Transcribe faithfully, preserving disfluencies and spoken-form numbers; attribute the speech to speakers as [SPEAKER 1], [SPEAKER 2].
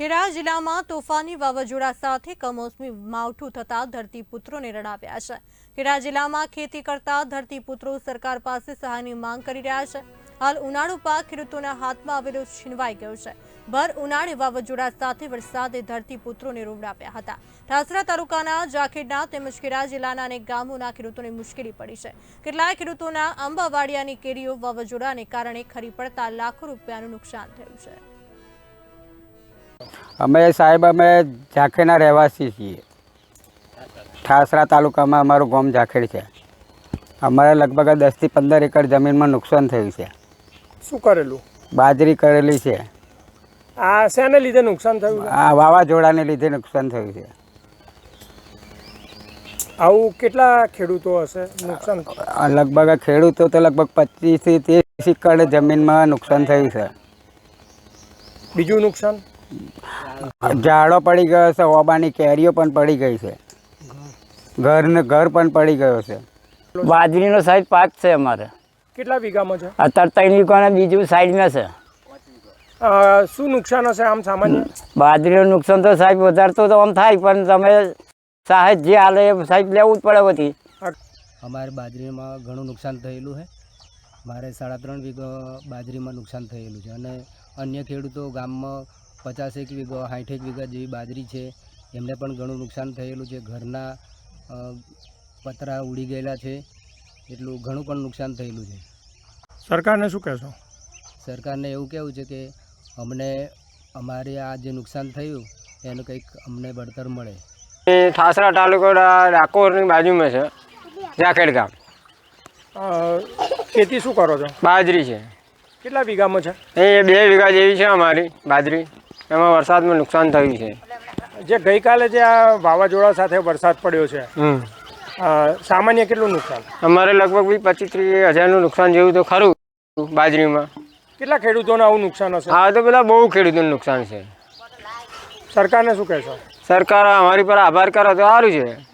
[SPEAKER 1] ખેડા જિલ્લામાં તોફાની વાવાઝોડા સાથે કમોસમી માવઠું થતા ધરતીપુત્રોને રડાવ્યા છે। ખેડા જિલ્લામાં ખેતી કરતા ધરતીપુત્રો સરકાર પાસે સહાયની માંગ કરી રહ્યા છે। હાલ ઉનાળુ પાક ખેડૂતોના હાથમાં આવેલો છીનવાઈ ગયો છે। ભર ઉનાળે વાવાઝોડા સાથે વરસાદે ધરતીપુત્રોને રોવડાવ્યા હતા। ઠાસરા તાલુકાના જાખેડના તેમજ ખેડા જિલ્લાના અનેક ગામોના ખેડૂતોને મુશ્કેલી પડી છે। કેટલાક ખેડૂતોના આંબાવાડિયાની કેરીઓ વાવાઝોડાને કારણે ખરી પડતા લાખો રૂપિયાનું નુકસાન થયું છે।
[SPEAKER 2] અમે સાહેબ અમે ઝાખેડના રહેવાસી છીએ। ઠાસરા તાલુકામાં અમારું ગામ ઝાખેડ છે। અમારે લગભગ દસથી પંદર એકર જમીનમાં નુકસાન થયું છે।
[SPEAKER 3] શું કરેલું?
[SPEAKER 2] બાજરી કરેલી છે।
[SPEAKER 3] આ શેને લીધે નુકસાન થયું?
[SPEAKER 2] આ વાવાઝોડાને લીધે નુકસાન થયું છે।
[SPEAKER 3] આવું કેટલા ખેડૂતો હશે નુકસાન?
[SPEAKER 2] લગભગ ખેડૂતો તો લગભગ પચીસથી ત્રીસ એકર જમીનમાં નુકસાન થયું છે।
[SPEAKER 3] બીજું નુકસાન?
[SPEAKER 2] ઝાડો પડી ગયો છે, ઓબાની કેરીઓ પણ પડી ગઈ છે, ઘરને ઘર પણ પડી ગયો છે।
[SPEAKER 4] બાજરીનો સાઈડ પાક છે અમારે।
[SPEAKER 3] કેટલા વીઘામાં છે?
[SPEAKER 4] અત્યારે ત્રણ વીઘાના બીજું સાઈડમાં છે।
[SPEAKER 3] અ, શું નુકસાન હશે આમ સામાન્ય?
[SPEAKER 4] બાજરીનું નુકસાન તો સાહેબ વધારે તો આમ થાય, પણ તમે સાહેબ જે હાલે એ સાહેબ લેવું જ પડે બધી।
[SPEAKER 5] અમારે બાજરીમાં ઘણું નુકસાન થયેલું છે। મારે સાડા ત્રણ વીઘા બાજરીમાં નુકસાન થયેલું છે અને અન્ય ખેડૂતો ગામમાં પચાસેક વીઘા સાઠેક વીઘા જેવી બાજરી છે, એમને પણ ઘણું નુકસાન થયેલું છે। ઘરના પતરા ઉડી ગયેલા છે, એટલું ઘણું પણ નુકસાન થયેલું છે।
[SPEAKER 3] સરકારને શું કહેશો?
[SPEAKER 5] સરકારને એવું કહેવું છે કે અમને અમારે આ જે નુકસાન થયું એનું કંઈક અમને વળતર મળે।
[SPEAKER 6] ઠાસરા તાલુકા ડાકોરની બાજુમાં છે ઝાખેડ ગામ।
[SPEAKER 3] અ, ખેતી શું કરો છો?
[SPEAKER 6] બાજરી છે।
[SPEAKER 3] કેટલા વીઘામાં છે?
[SPEAKER 6] એ બે વીઘા જેવી છે અમારી બાજરી। એમાં વરસાદમાં નુકસાન થયું છે।
[SPEAKER 3] જે ગઈકાલે જે આ વાવાઝોડા સાથે વરસાદ પડ્યો છે,
[SPEAKER 6] હમ
[SPEAKER 3] અ, સામાન્ય કેટલું નુકસાન?
[SPEAKER 6] અમારે લગભગ બી પચીસ ત્રીસ હજારનું નુકસાન જેવું તો ખરું બાજરીમાં।
[SPEAKER 3] કેટલા ખેડૂતોને આવું નુકસાન હશે?
[SPEAKER 6] હા તો પેલા બહુ ખેડૂતોનું નુકસાન છે।
[SPEAKER 3] સરકારને શું કહેશો?
[SPEAKER 6] સરકાર અમારી પર આભાર કરે તો સારું છે।